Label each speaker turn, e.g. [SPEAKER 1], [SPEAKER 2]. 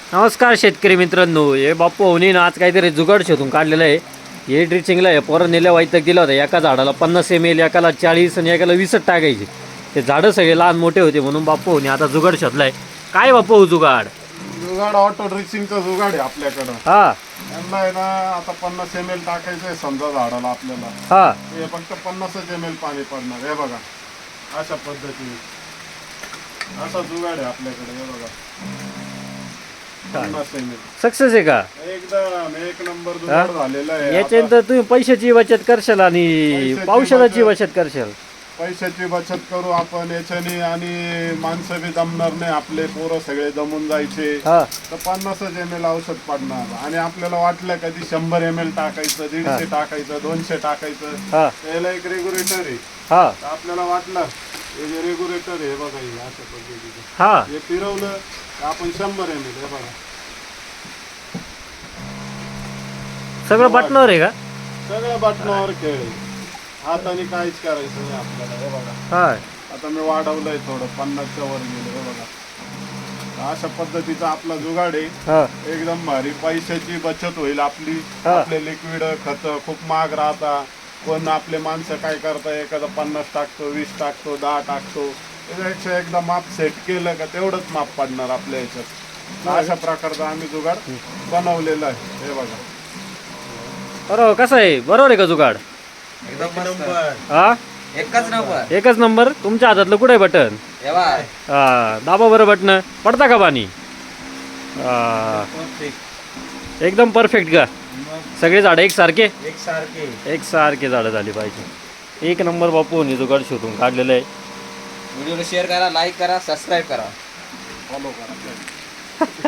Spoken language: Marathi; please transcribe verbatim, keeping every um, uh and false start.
[SPEAKER 1] नमस्कार शेतकरी मित्रांनो, हे बाप्पू होनीनं आज काहीतरी जुगाड शोधून काढलेलं आहे. हे ड्रिचिंगला आहे पोरं नेल्या वाईतक दिला होता. एका झाडाला पन्नास एम एल, एकाला चाळीस आणि एकाला वीसच टाकायचे. ते झाडं सगळे लहान मोठे होते म्हणून बाप्पू होनी आता जुगाड शोधलाय. काय बाप्पू जुगाड?
[SPEAKER 2] जुगाड ऑटो ड्रिचिंगचा जुगाड आहे आपल्याकडं.
[SPEAKER 1] हा
[SPEAKER 2] यांना आहे ना आता पन्नास एम एल टाकायचं आहे समजा झाडाला आपल्याला.
[SPEAKER 1] हा
[SPEAKER 2] हे फक्त पन्नासच एम एल पाणी पडणार. हे बघा अशा पद्धतीने असा जुगाड आहे आपल्याकडे. हे बघा पन्नास एम एल
[SPEAKER 1] सक्सेस आहे का?
[SPEAKER 2] एकदम एक नंबर जुगाड झालेला आहे.
[SPEAKER 1] याच्यानंतर तुम्ही पैशाची बचत करशाल आणि
[SPEAKER 2] पैशाची
[SPEAKER 1] औषधाची
[SPEAKER 2] बचत.
[SPEAKER 1] बचत करशाल.
[SPEAKER 2] पैशाची बचत करू आपण याच्याने आणि माणसं बी जमणार नाही. आपले पोरं सगळे जमून जायचे.
[SPEAKER 1] हा
[SPEAKER 2] तर पन्नासच एम एल औषध पडणार. आणि आपल्याला वाटलं कधी शंभर एम एल टाकायचं, दीडशे टाकायचं, दोनशे टाकायचं,
[SPEAKER 1] हा
[SPEAKER 2] त्याला एक रेग्युलेटर आहे.
[SPEAKER 1] हा
[SPEAKER 2] तर आपल्याला वाटलं हे जे रेग्युलेटर आहे बघा, हे अशा पद्धतीचं
[SPEAKER 1] हा
[SPEAKER 2] हे फिरवलं तर आपण शंभर एम एल. हे बघा
[SPEAKER 1] सगळं बटनावर आहे का?
[SPEAKER 2] सगळं बटनावर खेळ आहे. हाताने काहीच करायचं नाही आपल्याला. हे बघा
[SPEAKER 1] हा
[SPEAKER 2] आता मी वाढवलंय थोडं, पन्नासच्या वर गेलं. हे बघा अशा पद्धतीचा आपला जुगाड आहे.
[SPEAKER 1] हा
[SPEAKER 2] एकदम भारी. पैशाची बचत होईल आपली.
[SPEAKER 1] हा.
[SPEAKER 2] आपले लिक्विड खत खूप महाग राहता. कोण आपले माणसं काय करता, एखादा पन्नास टाकतो, वीस टाकतो, दहा टाकतो. त्याच्यापेक्षा एकदा माप सेट केलं का तेवढंच माप पडणार आपल्या याच्यात. अशा प्रकारचा आम्ही जुगाड बनवलेला आहे. हे बघा
[SPEAKER 1] बरोबर. कसं आहे? बरोबर आहे का जुगाड?
[SPEAKER 3] एकदम मस्त.
[SPEAKER 1] हा
[SPEAKER 3] एकच नंबर.
[SPEAKER 1] एकच नंबर. तुमच्या हातातलं कुठे आहे बटन?
[SPEAKER 3] एवा
[SPEAKER 1] हा दाबा बरं बटन. पडता का पाणी? हा एकदम परफेक्ट का? सगळे झाडं एकसारखे
[SPEAKER 3] एक सारखे.
[SPEAKER 1] एकसारखे झाडं झाली पाहिजे. एक नंबर बापू होनी जुगाड शोधून काढलेलं आहे.
[SPEAKER 3] व्हिडिओला शेअर करा, लाईक करा, सबस्क्राईब करा.
[SPEAKER 2] फॉलो करा.